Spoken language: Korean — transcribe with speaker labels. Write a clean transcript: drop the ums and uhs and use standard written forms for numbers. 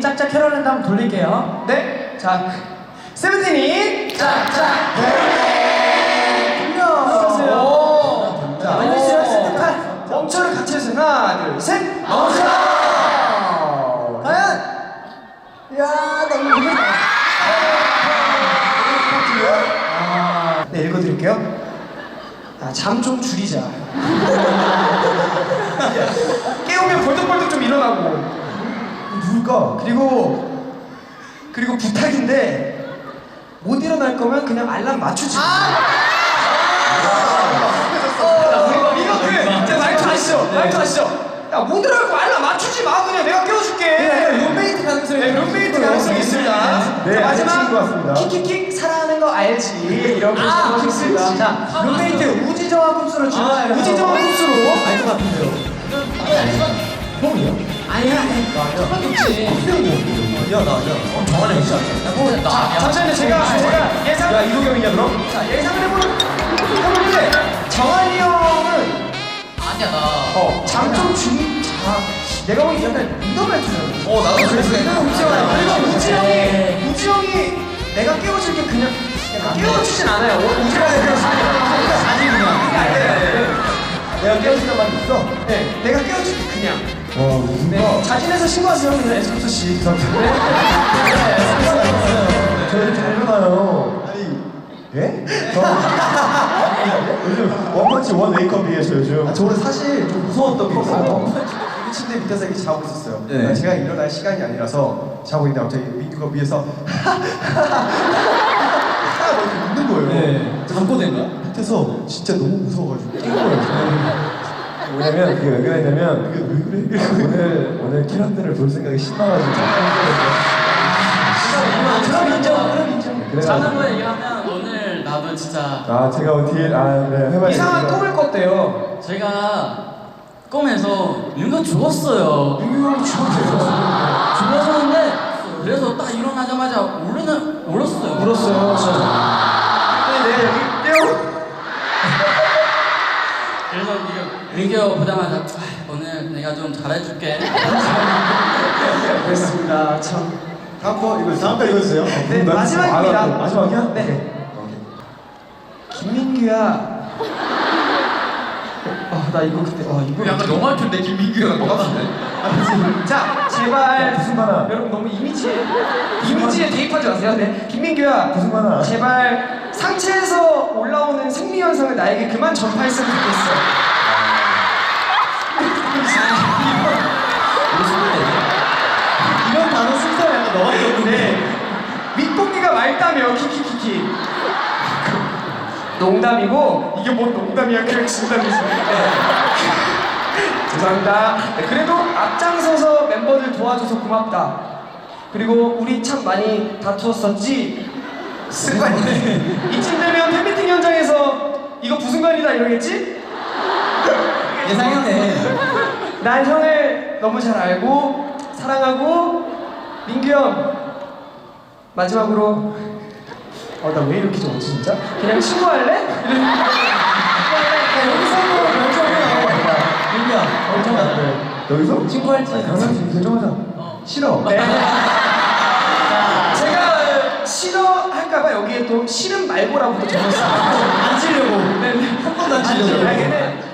Speaker 1: 짝짝 캐롤랜드 한번 돌릴게요.
Speaker 2: 네, 자 세븐틴이
Speaker 1: 짝짝
Speaker 2: 캐롤랜드
Speaker 1: 돌려.
Speaker 2: 자,
Speaker 1: 알려주세요.
Speaker 2: 멈춰를 같이 해서 하나, 둘, 셋.
Speaker 1: 멈춰. 과연? 야, 너무 무섭다.
Speaker 2: 네, 읽어드릴게요. 잠 좀 줄이자. 깨우면 벌떡벌떡 좀 일어나고. 누굴까? 그리고 부탁인데 못 일어날 거면 그냥 알람 맞추지. 이거 제 말투 아시죠? 말투 아시죠? 야, 못 일어날 거 알람 맞추지 마. 그냥 내가 깨워줄게.
Speaker 1: 룸메이트 가능성이
Speaker 2: 룸메이트 가능성이 있습니다.
Speaker 3: 네,
Speaker 2: 자, 마지막
Speaker 3: 같습니다.
Speaker 2: 킥킥킥 사랑하는 거 알지? 이렇게 하겠습니다.
Speaker 1: 자, 룸메이트 우지정한 흡수로 주문해요.
Speaker 2: 우지정한 흡수로.
Speaker 1: 알것 같은데요.
Speaker 3: 형이야?
Speaker 1: 아니야. 첫 번째 없지.
Speaker 3: 정한이 진짜.
Speaker 2: 잠시만요. 제가 예상.
Speaker 3: 야, 이도경이냐 그럼?
Speaker 2: 자, 예상을 해보는데 정한이 형은
Speaker 4: 아니야 나.
Speaker 2: 잠 좀 줄이. 내가 보기 약간 이도 말투잖아.
Speaker 3: 나도 그랬어.
Speaker 2: 그리고 우지 형이 내가 깨워줄게 그냥 깨워주진 않아요. 우지 형이
Speaker 3: 아니 그냥. 내가 깨워준단 말이 있어?
Speaker 2: 네, 내가 깨워줄게 그냥.
Speaker 3: 무슨
Speaker 2: 네, 자진해서 신고하세요. 네, 정수 씨.
Speaker 3: 저 이렇게 잘 일어나요. 아니, 예? 요즘 원펀치 원 웨이크업이에요, 저 요즘.
Speaker 5: 저는 사실 좀 무서웠던 게 있어요. 침대 밑에서 이렇게 자고 있었어요.
Speaker 3: 네.
Speaker 5: 제가 일어날 시간이 아니라서 자고 있는데 갑자기 민규가 위에서 이렇게 웃는 거예요.
Speaker 3: 잠꼬대인가?
Speaker 5: 밑에서 진짜 너무 무서워가지고 깬 거예요.
Speaker 3: 뭐냐면 그게 왜 그랬냐면 오늘 키라트를 볼 생각이 신나가지고
Speaker 1: 그럼 인정.
Speaker 4: 자는 거 얘기하면 오늘 나도 진짜
Speaker 3: 제가 뒤에 네 해봐야겠다.
Speaker 2: 이상한 꿈을 꿨대요.
Speaker 4: 제가 꿈에서 윤경 죽었어요.
Speaker 2: 윤규 죽었대요.
Speaker 4: 죽었었는데 그래서 딱 일어나자마자 울었어요.
Speaker 2: 울었어요. 네, 여기
Speaker 4: 그래서 민규 보자마자 오늘 내가 좀 잘해줄게.
Speaker 2: 그렇습니다. 참.
Speaker 5: 다음 거 읽어주세요.
Speaker 2: 네, 마지막입니다.
Speaker 3: 마지막이야?
Speaker 2: 네. 김민규야. 나 이거 그때 이거
Speaker 4: 약간 너무 할텐데 김민규랑 똑같은데?
Speaker 2: 자, 제발
Speaker 3: 무슨 만화?
Speaker 2: 여러분 너무 이미지에 대입하지 마세요. 네, 김민규야.
Speaker 3: 무슨 만화?
Speaker 2: 제발 상체에서 올라오는 생리 현상을 나에게 그만 전파했으면 좋겠어. 이런 단어 순서를 약간 넣었는데 밑봉기가 맑다며 키키키키. 농담이고 이게 뭔 농담이야? 그냥 진담이지. 네. 죄송합니다. 네, 그래도 앞장서서 멤버들 도와줘서 고맙다. 그리고 우리 참 많이 다투었었지. 습관이네. 이쯤 되면 팬미팅 현장에서 이거 부순간이다 이러겠지?
Speaker 1: 예상했네.
Speaker 2: 난 형을 너무 잘 알고 사랑하고 민규 형 마지막으로 나 왜 이렇게 적었지 진짜? 그냥 친구할래?
Speaker 1: 여기서 한번 결정해요. 민규야, 결정하자.
Speaker 3: 여기서?
Speaker 1: 친구할지.
Speaker 3: 강남씨 결정하자.
Speaker 2: 싫어. 네. 제가 싫어할까봐 여기에 또 싫음 말고라고도 적었어요.
Speaker 1: 안 치려고.
Speaker 2: 네, 한 번도 안 치려고.